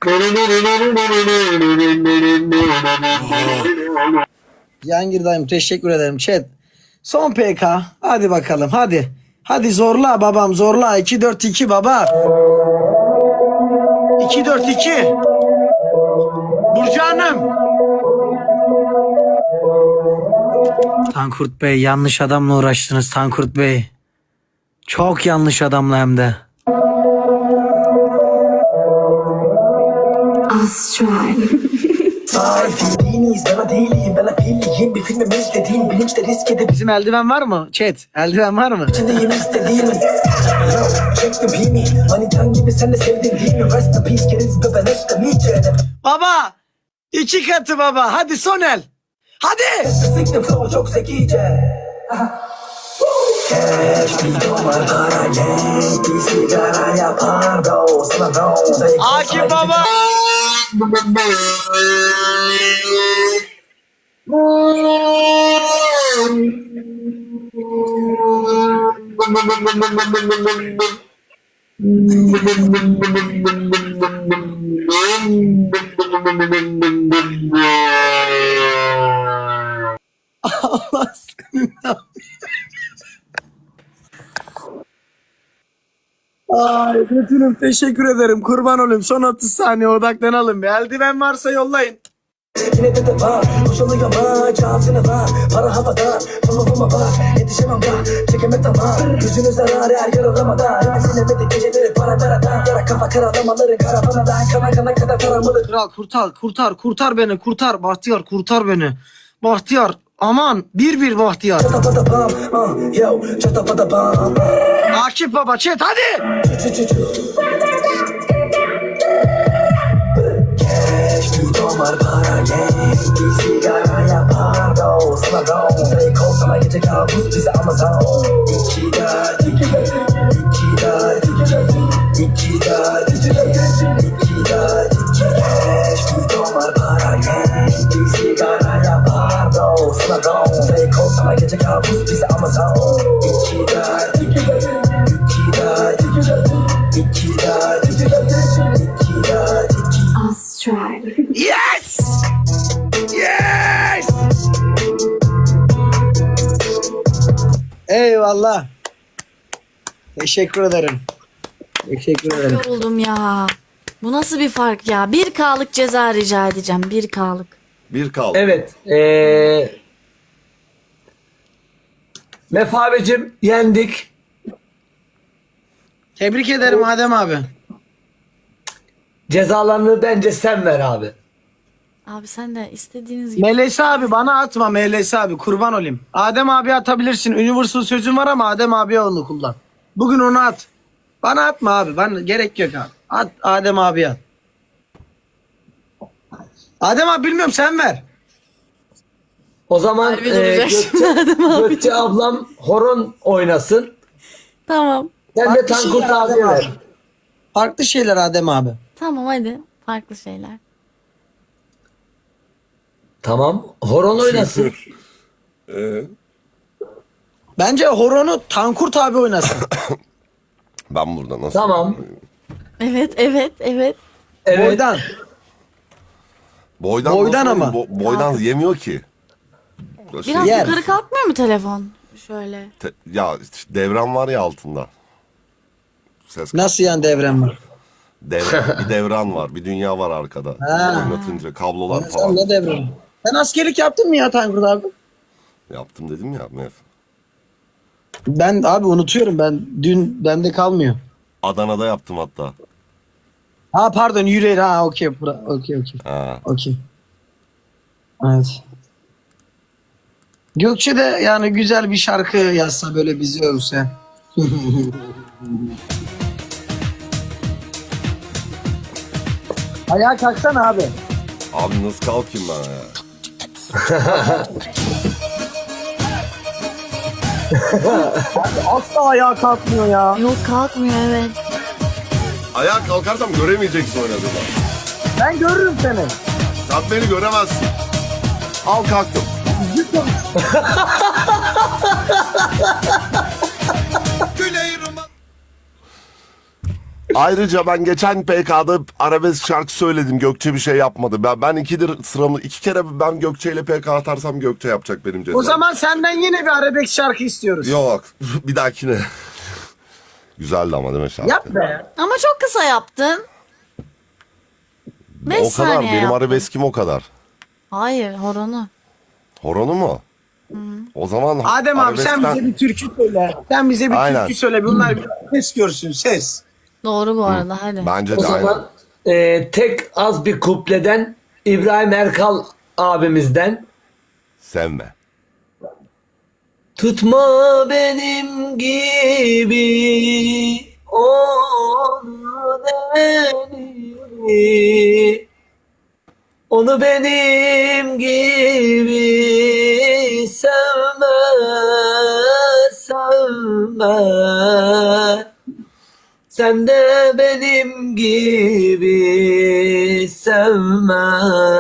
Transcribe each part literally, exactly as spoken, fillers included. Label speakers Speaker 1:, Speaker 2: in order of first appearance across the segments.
Speaker 1: Cihangir dayım teşekkür ederim chat. Son P K. Hadi bakalım hadi. Hadi zorla babam zorla. iki dört iki baba. iki dört iki. Burcu Hanım. Tankurt Bey yanlış adamla uğraştınız Tankurt Bey. Çok yanlış adamla hem de.
Speaker 2: Astral.
Speaker 1: Bizim eldiven var mı? Chat, eldiven var mı? Baba! İki katı baba. Hadi son el. Hadi!
Speaker 3: Çok zekice.
Speaker 1: Akif baba! Allah aşkına. Ay Betül'üm teşekkür ederim. Kurban olayım. Son otuz saniye odaklanalım. Bir eldiven varsa yollayın.
Speaker 3: Yine de de var, boşalıyor ama cevabını var. Para havada, tamamıma var. Yetişemem var, çekeme tamam. Yüzünü zarar her yaralamadan. Sinemedi geceleri para veradan. Yara kafa karalamaları karavanadan. Kana kana kadar taramalı.
Speaker 1: Kral kurtar kurtar kurtar beni kurtar. Bahtiyar kurtar beni. Bahtiyar aman bir bir Bahtiyar.
Speaker 3: Çatapada bam, ah, yo, çatapada bam.
Speaker 1: Akif baba chat hadi.
Speaker 3: Çu çu çu. Cash, bir domar para genç. Bir sigara yapar do. Sana do. Fake olsana gece kabus bize Amazon. İki dert, iki dert, iki dert, iki dert, iki dert, iki dert, iki dert, iki cash, bir domar para genç. Bir sigara yapar do. Sana do. Fake olsana gece kabus bize Amazon. İki dert, iki dert, iki dert, iki dert, iki dert, iki dert, iki dert, iki.
Speaker 2: Astral.
Speaker 1: Yes! Yes! Eyvallah. Teşekkür ederim. Teşekkür ederim.
Speaker 4: Yoruldum ya. Bu nasıl bir fark ya? bir K'lık ceza rica edeceğim. bir K'lık.
Speaker 5: Bir kaldı.
Speaker 6: Evet. Ee, Mef abicim yendik.
Speaker 1: Tebrik ederim Adem abi.
Speaker 6: Cezalarını bence sen ver abi.
Speaker 4: Abi sen de istediğiniz gibi.
Speaker 1: Melesi abi bana atma Melesi abi kurban olayım. Adem abi atabilirsin. Universal sözün var ama Adem abiye onu kullan. Bugün onu at. Bana atma abi. Bana gerek yok abi. At Adem abiye at. Adem abi bilmiyorum sen ver.
Speaker 6: O zaman
Speaker 4: Harbi
Speaker 6: e,
Speaker 4: duracak
Speaker 6: Gökçe,
Speaker 4: şimdi Adem abi.
Speaker 6: Gökçe ablam horon oynasın.
Speaker 4: Tamam.
Speaker 6: Sen de
Speaker 1: Farklı
Speaker 6: Tankurt
Speaker 1: şeyler
Speaker 6: abiye
Speaker 1: Adem
Speaker 6: ver.
Speaker 1: abi. Farklı şeyler Adem abi.
Speaker 4: Tamam hadi. Farklı şeyler.
Speaker 6: Tamam. Horon oynasın.
Speaker 5: Ee,
Speaker 1: Bence horonu Tankurt abi oynasın.
Speaker 5: ben burada nasıl?
Speaker 6: Tamam.
Speaker 4: Evet evet evet.
Speaker 6: Evet.
Speaker 1: Boydan.
Speaker 5: Boydan,
Speaker 1: Boydan
Speaker 5: nasıl
Speaker 1: ama.
Speaker 5: oynayayım? Bo- boydan yemiyor ki. Böyle
Speaker 4: Biraz
Speaker 1: Yer.
Speaker 4: yukarı kalkmıyor mu telefon? Şöyle.
Speaker 5: te- ya işte devran var ya altında. Ses
Speaker 1: Nasıl yani devrem var?
Speaker 5: devran, bir devran var, bir dünya var arkada.
Speaker 1: Ha.
Speaker 5: Oynatınca kablolar
Speaker 1: Sen
Speaker 5: falan.
Speaker 1: ne devrem? Sen askerlik yaptın mı ya Tankurt abi?
Speaker 5: Yaptım dedim ya Mef.
Speaker 1: Ben abi unutuyorum ben. Dün bende kalmıyor.
Speaker 5: Adana'da yaptım hatta.
Speaker 1: Ha pardon yüreği ha okey bura- okey okey
Speaker 5: Ha.
Speaker 1: okey. Evet. Gökçe de yani güzel bir şarkı yazsa böyle bizi övse. Ayağa kalksana abi.
Speaker 5: Abi nasıl kalkayım ben ya?
Speaker 1: Asla ayağa kalkmıyor ya.
Speaker 4: Yok kalkmıyor evet.
Speaker 5: Ayağa kalkarsam göremeyeceksin oynadığımı.
Speaker 1: Ben görürüm seni.
Speaker 5: Sen beni göremezsin. Al kalktım. Ayrıca ben geçen P K'da arabesk şarkı söyledim. Gökçe bir şey yapmadı. Ben, ben ikidir sıramı iki kere ben Gökçe ile P K atarsam Gökçe yapacak benim cezam.
Speaker 1: O zaman senden yine bir arabesk şarkı istiyoruz.
Speaker 5: Yok bir dahakine. Güzeldi ama değil mi şarkı?
Speaker 1: Yap be.
Speaker 4: Ama çok kısa yaptın. Beş
Speaker 5: O kadar
Speaker 4: saniye
Speaker 5: benim
Speaker 4: yaptın.
Speaker 5: arabeskim o kadar.
Speaker 4: Hayır, horonu.
Speaker 5: Horonu mu? O zaman
Speaker 1: Adem abi sen
Speaker 5: arabeskten-
Speaker 1: bize bir türkü söyle. Sen bize bir
Speaker 5: Aynen.
Speaker 1: türkü söyle. Bunlar bir ses görsün ses.
Speaker 4: Doğru bu arada, hadi.
Speaker 5: Bence
Speaker 6: O
Speaker 5: de aynen.
Speaker 6: zaman e, tek az bir kupleden İbrahim Erkal abimizden.
Speaker 5: Sevme.
Speaker 6: Tutma benim gibi onu beni, onu benim gibi sevme, sevme. Sen de benim gibi sevme,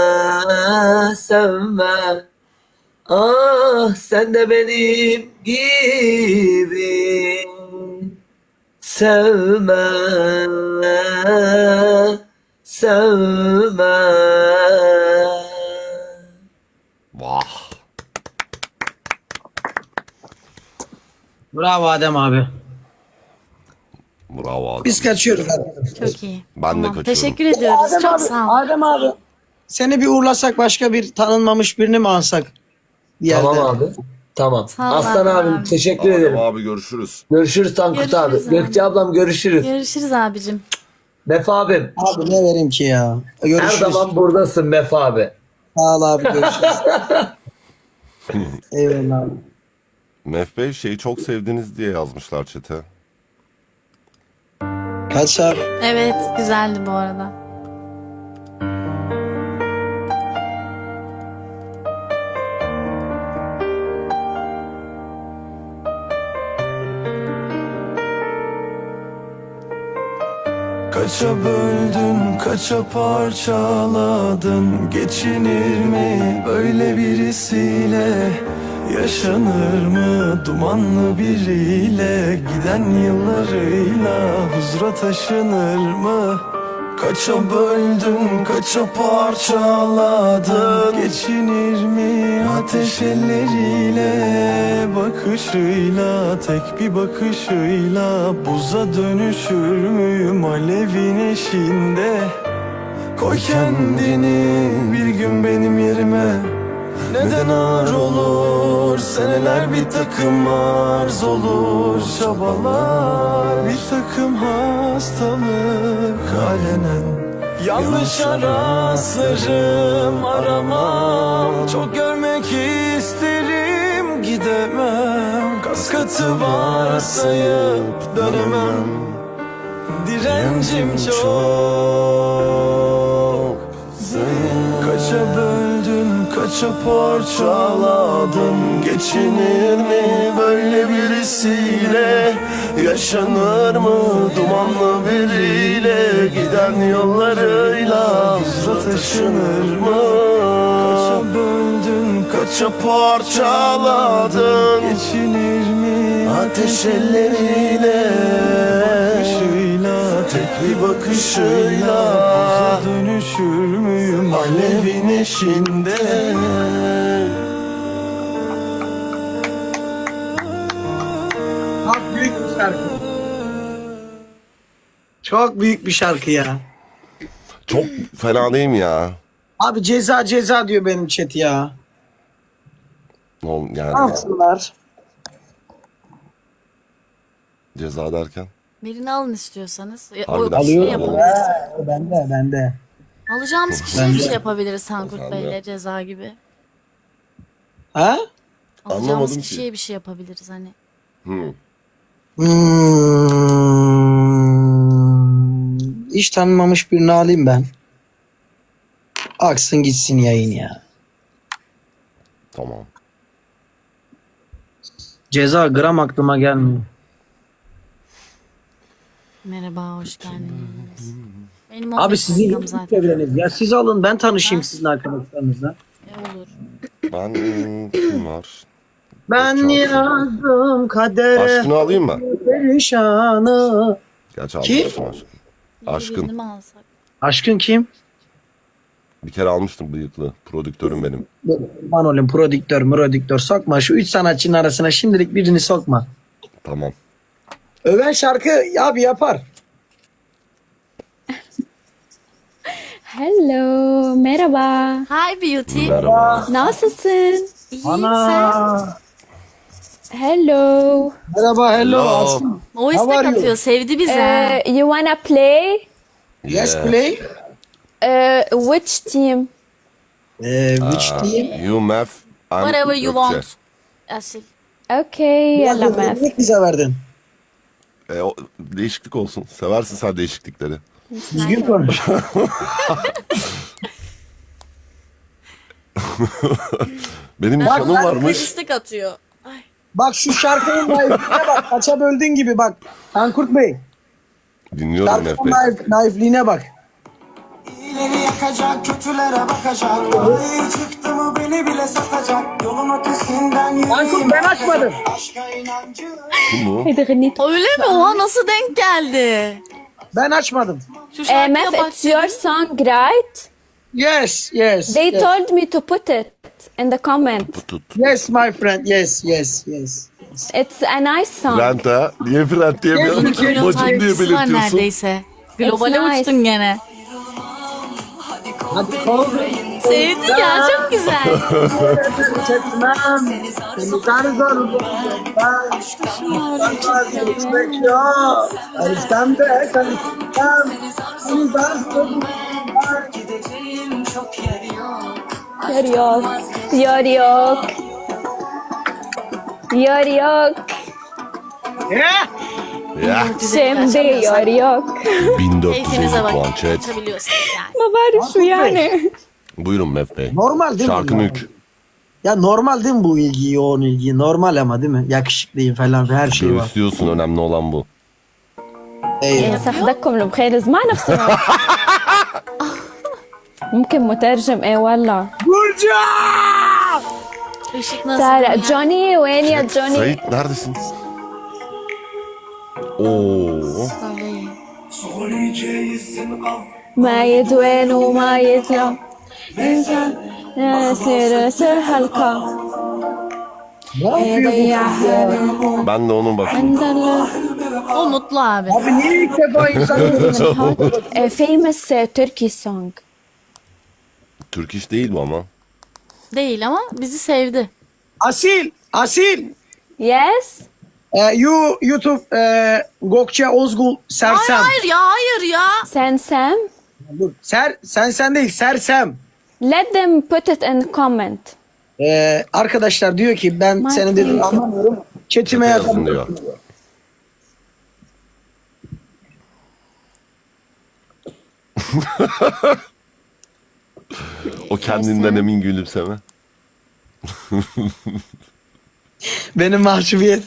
Speaker 6: sevme. Ah sen de benim gibi sevme, sevme.
Speaker 5: Vah.
Speaker 1: Bravo Adem abi.
Speaker 5: Bravo adam.
Speaker 1: Biz kaçıyoruz arkadaşlar.
Speaker 4: Çok iyi.
Speaker 5: Ben de
Speaker 4: Tamam,
Speaker 5: kaçıyorum.
Speaker 4: teşekkür ediyoruz.
Speaker 1: Adem
Speaker 4: çok
Speaker 1: abi,
Speaker 4: sağ ol.
Speaker 1: Adem abi. Seni bir uğurlasak başka bir tanınmamış birini mi alsak? Bir yerde.
Speaker 6: Tamam abi. Tamam.
Speaker 4: Sağ ol
Speaker 6: Aslan
Speaker 4: abi.
Speaker 6: abim teşekkür
Speaker 5: Adem
Speaker 6: ederim.
Speaker 5: abi görüşürüz.
Speaker 6: Görüşürüz Tankut
Speaker 4: Görüşürüz
Speaker 6: abi.
Speaker 4: abi.
Speaker 6: Gökçe ablam görüşürüz.
Speaker 4: Görüşürüz abicim.
Speaker 6: Mef abim.
Speaker 1: Abi ne vereyim ki ya?
Speaker 6: Her
Speaker 1: Görüşürüz.
Speaker 6: zaman buradasın Mef abi.
Speaker 1: Sağ ol abi görüşürüz. Eyvallah abi.
Speaker 5: Mef Bey şeyi çok sevdiniz diye yazmışlar chat'e.
Speaker 1: Kaç abi?
Speaker 4: Evet, güzeldi bu arada.
Speaker 3: Kaça böldün, kaça parçaladın? Geçinir mi böyle birisiyle? Yaşanır mı dumanlı biriyle? Giden yıllarıyla huzura taşınır mı? Kaça böldün, kaça parçaladın? Geçinir mi ateş elleriyle? Bakışıyla, tek bir bakışıyla buza dönüşür müyüm alevin eşiğinde? Koy kendini bir gün benim yerime. Neden ağır olur? Seneler bir takım arz olur. Çabalar bir takım hastalık alenen. Yanlış araslarım aramam. Çok görmek isterim gidemem. Kas katı varsayıp dönemem. Direncim çok zayıf. Kaça böldün, kaça parçaladın? Geçinir mi böyle birisiyle? Yaşanır mı dumanlı biriyle? Giden yollarıyla hızla taşınır mı? Kaça böldün, kaça parçaladın? Geçinir mi ateş elleriyle? Bakışıyla, tek bir bakışıyla buza dönüşür müyüm alevin eşinde?
Speaker 1: Çok büyük bir şarkı. Çok büyük bir şarkı ya.
Speaker 5: Çok fena değil mi ya?
Speaker 1: Abi ceza ceza diyor benim chat ya.
Speaker 5: Oğlum
Speaker 1: Ne
Speaker 5: yani
Speaker 1: yapsınlar?
Speaker 5: ceza derken.
Speaker 4: Birini alın istiyorsanız. Ya, o,
Speaker 5: Harbiden.
Speaker 4: şey
Speaker 5: Alıyorum.
Speaker 4: yapabiliriz.
Speaker 1: Bende bende.
Speaker 4: Alacağımız kişiye bir şey yapabiliriz Tankut Bey'le ceza gibi.
Speaker 1: Ha?
Speaker 4: Alacağımız
Speaker 5: Anlamadım ki.
Speaker 4: kişiye bir şey yapabiliriz hani.
Speaker 5: Hmm.
Speaker 1: Hmm. Hiç tanınmamış birini alayım ben. Aksın gitsin yayın ya.
Speaker 5: Tamam.
Speaker 1: Ceza gram aklıma gelmiyor.
Speaker 4: Merhaba, hoş geldiniz. Benim
Speaker 1: Abi
Speaker 4: on beş
Speaker 1: sizin
Speaker 4: dakikam
Speaker 1: YouTube
Speaker 4: zaten.
Speaker 1: çevreniz. Ya siz alın ben tanışayım sizin arkadaşlarınızla.
Speaker 4: E, olur.
Speaker 5: Ben hmm, kim var?
Speaker 1: Ben
Speaker 5: Çok
Speaker 1: yazdım kadere
Speaker 5: Aşkını alayım mı?
Speaker 1: perişanı.
Speaker 5: Gerçi
Speaker 1: Ki?
Speaker 5: almışım aşkını. Aşkın.
Speaker 4: Birini mi alsak?
Speaker 1: Aşkın kim?
Speaker 5: Bir kere almıştım bıyıklı. Prodüktörüm benim.
Speaker 1: Kurban olayım prodüktör prodüktör sokma. Şu üç sanatçının arasına şimdilik birini sokma.
Speaker 5: Tamam.
Speaker 1: Öven şarkı abi yapar.
Speaker 2: Hello, merhaba.
Speaker 4: Hi Beauty.
Speaker 5: Merhaba.
Speaker 2: Nasılsın?
Speaker 4: İyiyim sen.
Speaker 1: Ana.
Speaker 2: Hello.
Speaker 1: Merhaba hello.
Speaker 5: Hello.
Speaker 1: Aşkım.
Speaker 4: O
Speaker 1: How
Speaker 4: istek
Speaker 1: are you?
Speaker 4: atıyor. Sevdi bizi.
Speaker 2: Uh, you wanna play?
Speaker 1: Yes
Speaker 5: Yeah.
Speaker 1: play.
Speaker 2: Uh, which team?
Speaker 1: Ee, which team?
Speaker 5: You Mef. I'm
Speaker 4: Whatever you
Speaker 5: Gökçe.
Speaker 4: want. Asil.
Speaker 2: Okay, yalla Mef.
Speaker 1: Ne bize verdin?
Speaker 5: E, o, değişiklik olsun. Seversin sen değişiklikleri.
Speaker 1: Düzgün konuş.
Speaker 5: Benim nişanım
Speaker 4: Kız
Speaker 5: varmış.
Speaker 4: istek atıyor. Ay.
Speaker 1: Bak şu şarkının naifliğine bak. Kaça böldüğün gibi bak. Tankurt Bey.
Speaker 5: Dinliyorum Mef
Speaker 1: Şarkının
Speaker 5: Bey.
Speaker 1: naif, naifliğine bak.
Speaker 7: İyileri yakacak, kötülere bakacak. Ay çıktı mı beni bile satacak. Yolun ötesinden
Speaker 1: Tankurt
Speaker 7: yürüyeyim.
Speaker 1: ben açmadım.
Speaker 7: Aşka inancı.
Speaker 5: Kim bu?
Speaker 2: هيدا غنيت.
Speaker 4: Öyle mi? Oha nasıl denk geldi?
Speaker 1: Ben açmadım.
Speaker 4: Şu
Speaker 2: Uh,
Speaker 4: şarkıya
Speaker 2: Mef,
Speaker 4: bak.
Speaker 2: it's your song, right?
Speaker 1: Yes, yes.
Speaker 2: They
Speaker 1: yes.
Speaker 2: told me to put it in the comment.
Speaker 5: Tut.
Speaker 1: Yes my friend. Yes, yes, yes.
Speaker 2: It's a nice song.
Speaker 5: Brent ha? Niye Brent diyemiyorsun?
Speaker 1: Yes,
Speaker 4: Milyon
Speaker 5: Bacım diye
Speaker 4: takipçisi var
Speaker 5: belirtiyorsun.
Speaker 4: neredeyse. Globale
Speaker 2: It's nice.
Speaker 4: uçtun gene.
Speaker 1: Hadi kol.
Speaker 4: Sevdik ya çok güzel.
Speaker 1: Çekmem. Seni tanrı Ben vazgeçmek yok. Karışsam da karışsam. Seni tanrı
Speaker 7: Gideceğim çok yer yok.
Speaker 2: Yar yok. Yar yok. Yar yok.
Speaker 1: Ya.
Speaker 5: Ya.
Speaker 2: Şimdi yar yok.
Speaker 5: bin dört yüz
Speaker 4: Keyfinize
Speaker 5: elli
Speaker 4: bak.
Speaker 5: puan chat.
Speaker 4: Açabiliyorsunuz yani.
Speaker 2: ما بعرف شو يعني.
Speaker 5: Buyurun Mef Bey.
Speaker 1: Normal değil mi?
Speaker 5: Şarkın
Speaker 1: ya?
Speaker 5: ük.
Speaker 1: Ya normal değil mi bu ilgi, yoğun ilgi? Normal ama değil mi? Yakışıklıyım falan her şey var.
Speaker 5: Göğüslüyorsun, önemli olan bu.
Speaker 1: Eyvallah.
Speaker 2: صدقكم المخيرز ما نفسهم. ممكن مترجم ايه والله.
Speaker 1: Burcu!
Speaker 4: Işık nasıl?
Speaker 2: تعال
Speaker 4: ya?
Speaker 2: جوني وين يا جوني؟
Speaker 5: Sait neredesin? Oo.
Speaker 4: Söyleyin.
Speaker 2: ما يدوين وما يتلو إنسان يصير يصير هلكة
Speaker 1: Ne yapıyor
Speaker 2: يضيعها
Speaker 1: bu?
Speaker 2: بالموت
Speaker 5: Ben de onun bak.
Speaker 2: عند الله.
Speaker 4: O mutlu abi.
Speaker 1: Abi niye ilk defa insan
Speaker 2: A famous uh, Turkish song.
Speaker 5: Türk iş değil bu ama.
Speaker 4: Değil ama bizi sevdi.
Speaker 1: Asil, Asil.
Speaker 2: Yes.
Speaker 1: E, you YouTube e, Gökçe Ozgul Sersem.
Speaker 4: Hayır hayır ya hayır ya.
Speaker 2: Sen Sam.
Speaker 1: Dur, Ser, sen sen değil Sersem.
Speaker 2: Let them put it in comment.
Speaker 1: E, arkadaşlar diyor ki ben
Speaker 2: My
Speaker 1: senin dediğini
Speaker 2: pleasure.
Speaker 1: anlamıyorum. Chatime
Speaker 5: Yazın
Speaker 1: yazın
Speaker 5: diyor. O kendinden emin gülümseme.
Speaker 1: Benim mahcubiyet.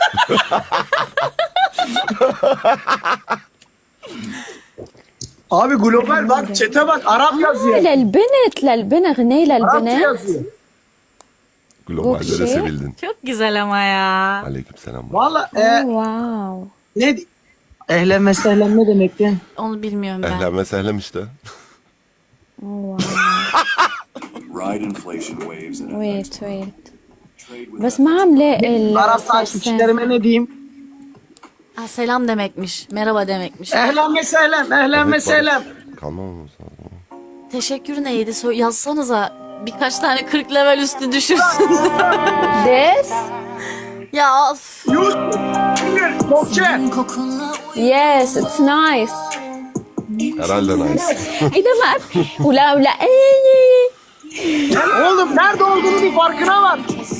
Speaker 1: Abi global bak chat'e bak Arap yazıyor.
Speaker 2: للبنت للبنت غنية
Speaker 1: Arapça
Speaker 2: للبنت.
Speaker 1: yazıyor.
Speaker 5: Globallere
Speaker 2: Gökçe.
Speaker 5: sevildin.
Speaker 4: Çok güzel ama ya.
Speaker 5: Aleykümselam.
Speaker 1: Valla
Speaker 2: Oh,
Speaker 1: e,
Speaker 2: wow.
Speaker 1: ne ehlen mesehlen ne demekti?
Speaker 4: Onu bilmiyorum ben.
Speaker 5: Ehlen ve sehlem işte.
Speaker 2: Oh, wow.
Speaker 8: Ride inflation waves and
Speaker 2: wait wait. بس ما عم لاقي ال-
Speaker 1: Arap
Speaker 2: Sam.
Speaker 1: takipçilerime ne diyeyim?
Speaker 4: Ha, selam demekmiş. Merhaba demekmiş.
Speaker 1: Ehlen mesehlen, ehlen mesehlen.
Speaker 5: Kalmam mı?
Speaker 4: Teşekkür neydi? So- yazsanıza. Birkaç tane kırk level üstü düşürsün.
Speaker 2: This?
Speaker 4: ya of.
Speaker 1: Yusuf, Gökçe.
Speaker 2: Yes, it's nice.
Speaker 5: Herhalde nice.
Speaker 2: هيدا ما ولا ولا اي
Speaker 1: Sen oğlum nerede olduğunu bir farkına var.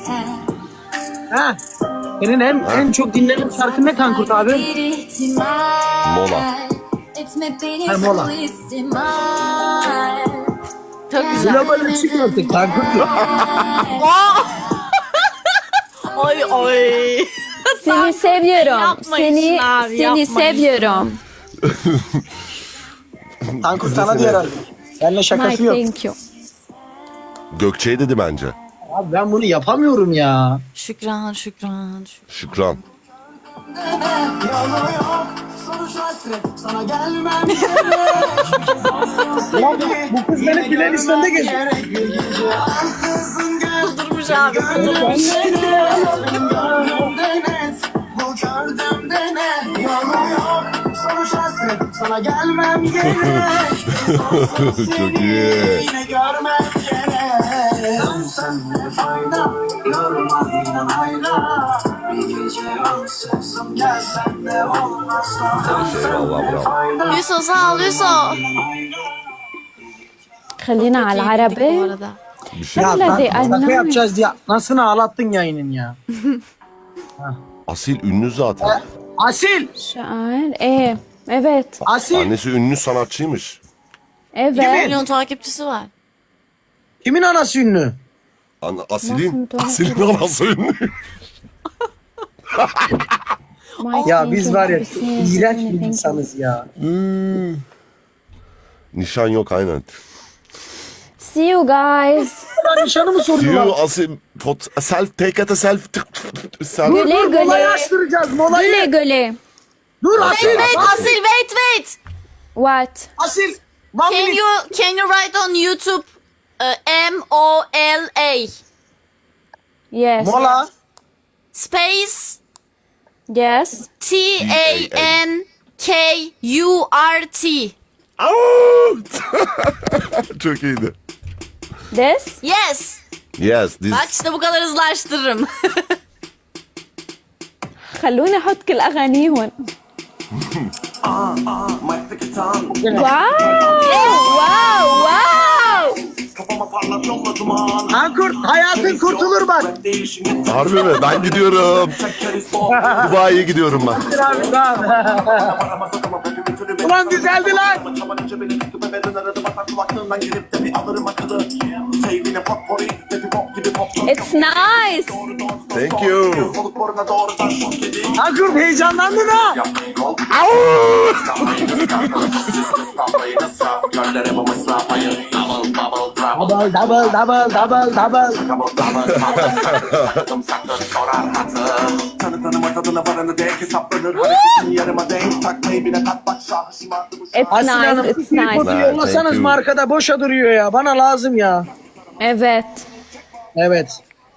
Speaker 1: Ha. Senin en en çok dinlenen şarkın ne Tankurt abi?
Speaker 5: Mola.
Speaker 1: Ha, mola.
Speaker 4: Çok güzel.
Speaker 1: Global çıkıyor artık Tankurt.
Speaker 4: Oy oy.
Speaker 2: seni seviyorum.
Speaker 4: Yapmayın
Speaker 2: Seni
Speaker 4: abi,
Speaker 2: seni
Speaker 4: yapmayın.
Speaker 2: seviyorum.
Speaker 1: Tankurt sana diyor herhalde. Seninle
Speaker 2: My
Speaker 1: şakası yok.
Speaker 2: thank you.
Speaker 5: Gökçe'ye dedi bence.
Speaker 1: Abi ben bunu yapamıyorum ya.
Speaker 4: Şükran şükran. şükran.
Speaker 5: Şükran.
Speaker 7: Yalan yok. Soru Sonuç hasret sana gelmem gerek.
Speaker 1: Ulan bu kız benim playlistimde geziyor.
Speaker 7: Ansızın gel.
Speaker 4: Kudurmuş abi. Kudurmuş.
Speaker 7: Benim gönlümde net. Bu gördüğümde ne? Yalan yok. Sonuç hasret sana gelmem gerek.
Speaker 5: Çok iyi.
Speaker 7: Yine görmek gerek. Dönsen ne fayda? Yormaz inan hayra. Bir gece ansızın gelsen de olmaz da. Dönsen ne fayda?
Speaker 4: Yusuf sağ ol Yusuf.
Speaker 2: خلينا على
Speaker 4: Bu
Speaker 2: العربي.
Speaker 4: arada.
Speaker 5: Bir şey.
Speaker 1: Ya
Speaker 2: Hadi,
Speaker 1: ben şaka
Speaker 2: annem.
Speaker 1: yapacağız diye nasıl ağlattın yayının ya.
Speaker 5: Asil ünlü zaten.
Speaker 1: Asil!
Speaker 2: شعر ايه evet
Speaker 1: Asil!
Speaker 5: Annesi ünlü sanatçıymış.
Speaker 2: evet
Speaker 4: Milyon takipçisi var.
Speaker 1: Kimin anası ünlü?
Speaker 5: An
Speaker 2: Nasıl
Speaker 5: Asil'in,
Speaker 2: mütevazı?
Speaker 5: Asil'in anası ünlü.
Speaker 2: My
Speaker 1: Ya biz
Speaker 2: thinking
Speaker 1: var ya
Speaker 2: is
Speaker 1: çok
Speaker 2: serious,
Speaker 1: iğrenç
Speaker 2: my
Speaker 1: bir
Speaker 2: thinking.
Speaker 1: insanız ya.
Speaker 5: Nişan yok aynen.
Speaker 2: see you guys
Speaker 1: Ben nişanı mı
Speaker 5: Diyor
Speaker 1: soruyorlar?
Speaker 5: Asil pot, self take at a self self.
Speaker 1: Dur
Speaker 2: Güle
Speaker 1: dur
Speaker 2: güle.
Speaker 1: molayı açtıracağız
Speaker 2: güle
Speaker 1: molayı.
Speaker 2: güle
Speaker 1: Dur Asil!
Speaker 4: Wait
Speaker 1: Asil!
Speaker 4: Asil wait wait.
Speaker 2: what
Speaker 1: Asil! One
Speaker 4: Can
Speaker 1: minute.
Speaker 4: you can you write on YouTube uh, M O L A
Speaker 2: yes
Speaker 1: Mola.
Speaker 4: space
Speaker 2: yes
Speaker 4: T A N K U R T.
Speaker 5: Çok iyiydi.
Speaker 2: this
Speaker 4: Yes.
Speaker 5: Yes, this.
Speaker 4: Bak işte bu kadar hızlı açtırırım.
Speaker 2: خلوني احط كل اغانيهم
Speaker 3: Might pick a tongue.
Speaker 2: wow wow wow
Speaker 3: Kafama parlat yolla duman.
Speaker 1: Ankurt hayatın kurtulur bak.
Speaker 3: Değişim
Speaker 5: Harbi mi? Ben gidiyorum. Dubai'ye gidiyorum ben.
Speaker 1: Abi tamam. Ulan düzeldi lan.
Speaker 2: it's nice
Speaker 5: Thank you.
Speaker 1: Ankurt heyecanlandın ha. Double double double double double.
Speaker 3: Tanı tanıma tadına varanı denk hesaplanır. Hareketin yarıma denk takmayı bile tat bak şahı şımardı bu
Speaker 2: it's
Speaker 1: Asil
Speaker 2: nice
Speaker 1: Hanım
Speaker 2: it's
Speaker 1: bir
Speaker 2: nice
Speaker 1: foto
Speaker 5: Nice,
Speaker 1: yollasanız
Speaker 5: thank you.
Speaker 1: mı arkada boşa duruyor ya. Bana lazım ya.
Speaker 2: evet
Speaker 1: Evet.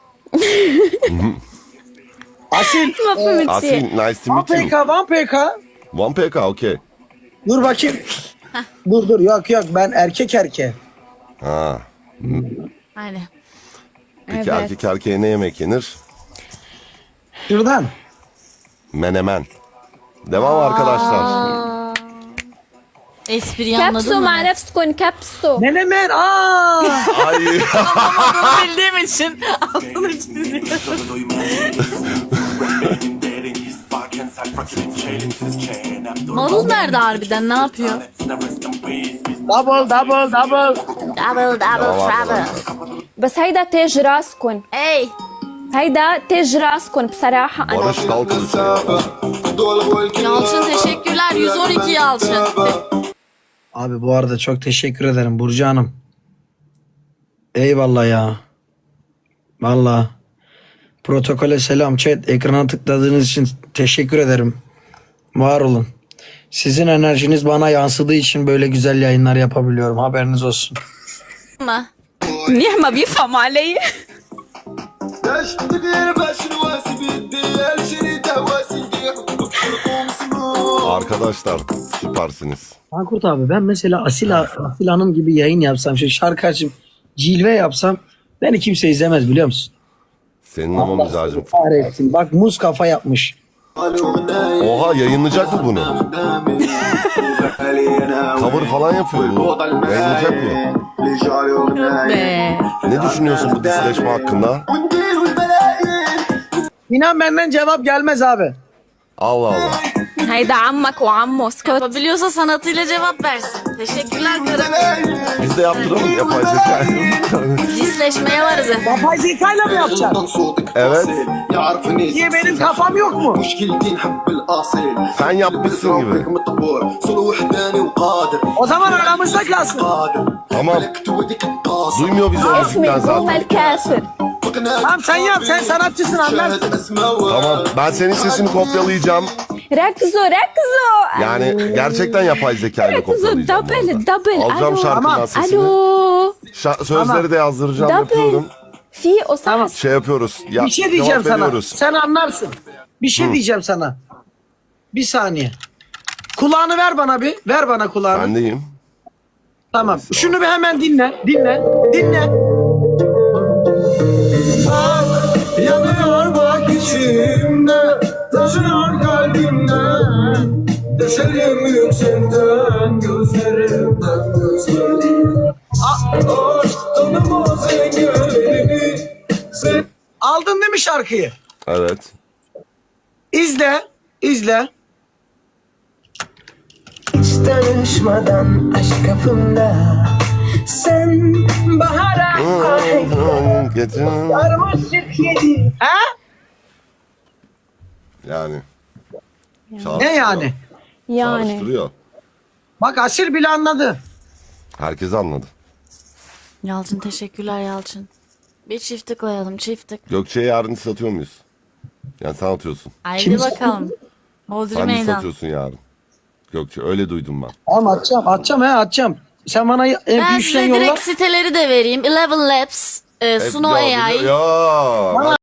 Speaker 1: Asil.
Speaker 2: ما فهمت
Speaker 5: Asil,
Speaker 2: شيء
Speaker 5: nice to
Speaker 1: One
Speaker 5: meet you.
Speaker 1: P K, one P K.
Speaker 5: One P K, okay.
Speaker 1: Dur bakayım. dur dur yok yok ben erkek erkeğe.
Speaker 5: Ha.
Speaker 4: Aynen.
Speaker 5: Peki
Speaker 2: Evet.
Speaker 5: erkek erkeğe ne yemek yenir?
Speaker 1: Şuradan.
Speaker 5: Menemen. Devam arkadaşlar.
Speaker 4: Espriyi anladın
Speaker 2: كبسوا
Speaker 4: mı?
Speaker 2: مع نفسكم كبسوا
Speaker 1: Menemen aa.
Speaker 5: Ay.
Speaker 4: Anlamadığını bildiğim için altını çiziyorum. Marul nerede harbiden? Ne yapıyor?
Speaker 1: Double double double.
Speaker 4: Double double trouble.
Speaker 2: بس هيدا تاج راسكم
Speaker 4: Hey.
Speaker 2: هيدا تاج راسكم بصراحة أنا
Speaker 5: Barış Kalkılıç.
Speaker 4: Yalçın teşekkürler. yüz on iki Yalçın.
Speaker 1: Abi bu arada çok teşekkür ederim Burcu Hanım. Eyvallah ya. Vallahi. Protokole selam chat. Ekrana tıkladığınız için teşekkür ederim. Var olun. Sizin enerjiniz bana yansıdığı için böyle güzel yayınlar yapabiliyorum. Haberiniz olsun.
Speaker 4: Mı?
Speaker 2: منيح ما بيفهم علي
Speaker 5: Arkadaşlar süpersiniz.
Speaker 1: Ankurt abi ben mesela Asil, Asil Hanım gibi yayın yapsam, şey şarkı açıp cilve yapsam beni kimse izlemez biliyor musun?
Speaker 5: Senin ama mizacın.
Speaker 1: Kahretsin. Bak muz kafa yapmış.
Speaker 5: Oha yayınlayacak mı bunu? Cover falan yapıyor bu. Yayınlayacak mı?
Speaker 4: Be.
Speaker 5: Ne düşünüyorsun bu disleşme hakkında?
Speaker 1: İnan benden cevap gelmez abi.
Speaker 5: Allah Allah.
Speaker 2: هيدا عمك وعمه اسكت
Speaker 4: Yapabiliyorsa sanatıyla cevap versin. Teşekkürler karım.
Speaker 5: Biz de yaptıralım yapay zeka.
Speaker 4: Disleşmeye varız efendim.
Speaker 1: Yapay zekayla mı yapacaksın?
Speaker 5: Evet.
Speaker 1: Niye benim kafam yok mu?
Speaker 5: Sen yapmışsın gibi.
Speaker 1: O zaman aramızda kalsın.
Speaker 5: Tamam. Duymuyor bizi o
Speaker 2: اسمي
Speaker 5: müzikten
Speaker 2: بوم
Speaker 5: zaten.
Speaker 2: الكاسر
Speaker 1: Tamam sen yap, sen sanatçısın anlarsın.
Speaker 5: Tamam ben senin sesini kopyalayacağım.
Speaker 2: ركزوا ركزوا.
Speaker 5: Yani gerçekten yapay zeka ile
Speaker 2: ركزوا
Speaker 5: kopyalayacağım. bu
Speaker 2: دبل
Speaker 5: arada.
Speaker 2: دبل.
Speaker 5: Alacağım
Speaker 2: ألو
Speaker 5: şarkının sesini.
Speaker 2: ألو.
Speaker 5: Şa- sözleri
Speaker 1: Tamam.
Speaker 5: de yazdıracağım,
Speaker 2: دبل.
Speaker 5: yapıyorum.
Speaker 2: في أصحى.
Speaker 1: Tamam.
Speaker 5: Şey yapıyoruz. Ya,
Speaker 1: Bir şey diyeceğim
Speaker 5: cevap
Speaker 1: sana.
Speaker 5: veriyoruz.
Speaker 1: Sen anlarsın. Bir şey diyeceğim sana. Bir saniye. Kulağını ver bana bir. Ver bana kulağını.
Speaker 5: Ben deyim.
Speaker 1: Tamam. Şunu bir hemen dinle. Dinle. Dinle.
Speaker 3: Yanıyor bak içimde, taşıyor kalbimden. Düşerim yüksekten, gözlerimden gözlerim. Ah, tanımaz engelini. Sen
Speaker 1: Aldın değil mi şarkıyı?
Speaker 5: Evet.
Speaker 1: İzle. İzle.
Speaker 3: hiç tanışmadan aşk kapımda. Sen bahara
Speaker 5: Getir.
Speaker 3: sarmaşık yedi.
Speaker 1: He?
Speaker 5: Yani.
Speaker 1: Ne yani?
Speaker 2: يعني.
Speaker 5: Çağrıştırıyor.
Speaker 1: Bak Asil bile anladı.
Speaker 5: Herkes anladı.
Speaker 4: Yalçın teşekkürler Yalçın. Bir çiftlik koyalım çiftlik.
Speaker 5: Gökçe'ye yarın satıyor muyuz? Yani sen atıyorsun.
Speaker 4: Haydi bakalım. Hodri
Speaker 5: Sen de
Speaker 4: meydan.
Speaker 5: satıyorsun yarın. Gökçe öyle duydum ben.
Speaker 1: Tamam atacağım. Atacağım he atacağım. Sen bana
Speaker 4: Ben
Speaker 1: M P üçten
Speaker 4: size
Speaker 1: yolla.
Speaker 4: direkt siteleri de vereyim. Eleven Labs, e, Suno
Speaker 5: Ya,
Speaker 4: A I.
Speaker 5: Ya.